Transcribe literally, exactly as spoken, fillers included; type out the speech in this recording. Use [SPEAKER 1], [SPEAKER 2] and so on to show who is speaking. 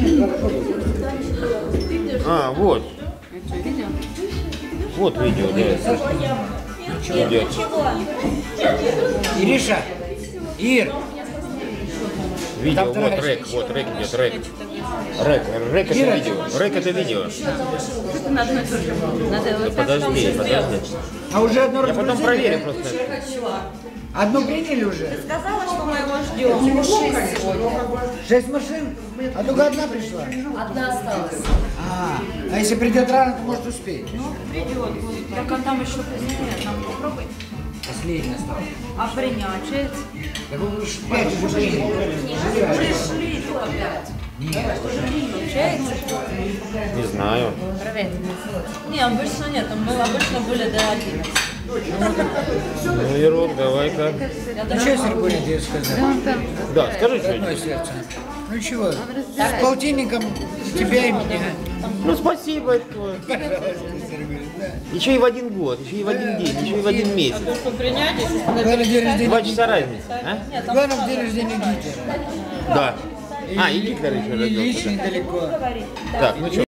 [SPEAKER 1] А, вот. Вот видео, да. Идет.
[SPEAKER 2] Ириша, Ир.
[SPEAKER 1] Видео, вот рэк, вот рэк идет, рэк. Рэк, рэк это видео, рэк это видео. Да подожди, подожди.
[SPEAKER 2] А уже одно
[SPEAKER 1] Я потом проверю просто.
[SPEAKER 2] Одну приняли уже?
[SPEAKER 3] Ты сказала, что мы его ждем.
[SPEAKER 2] Шесть машин? А только одна пришла?
[SPEAKER 3] Одна осталась.
[SPEAKER 2] А, а если придет рано, то может успеть?
[SPEAKER 3] Ну, придет. Так а там еще позднее. Нам попробуй.
[SPEAKER 2] Последняя осталась.
[SPEAKER 3] А принять?
[SPEAKER 2] Так вы уж пять уже приняли.
[SPEAKER 3] Пришли только пять.
[SPEAKER 2] Нет.
[SPEAKER 3] Получается?
[SPEAKER 1] Не знаю.
[SPEAKER 3] Проверь. Не, обычно нет. Там было обычно были до одиннадцати.
[SPEAKER 1] Ну, Ирок, давай-ка.
[SPEAKER 2] Ну что, Сергей, тебе сказать?
[SPEAKER 1] Да, скажи
[SPEAKER 2] Родное
[SPEAKER 1] что-нибудь.
[SPEAKER 2] сердце. Ну чего, с полтинником тебя и меня.
[SPEAKER 1] Ну, спасибо, это твое.
[SPEAKER 2] Пожалуйста, Сергей, да.
[SPEAKER 1] Еще и в один год, еще и в один день, еще и в один месяц.
[SPEAKER 2] Главное, день рождения
[SPEAKER 1] Два часа
[SPEAKER 2] Гитлера.
[SPEAKER 1] разницы, а?
[SPEAKER 2] Главное, день рождения Гитлера.
[SPEAKER 1] Да. А, и Гитлер еще
[SPEAKER 2] И
[SPEAKER 1] родился.
[SPEAKER 2] лично недалеко.
[SPEAKER 1] Так, ну что?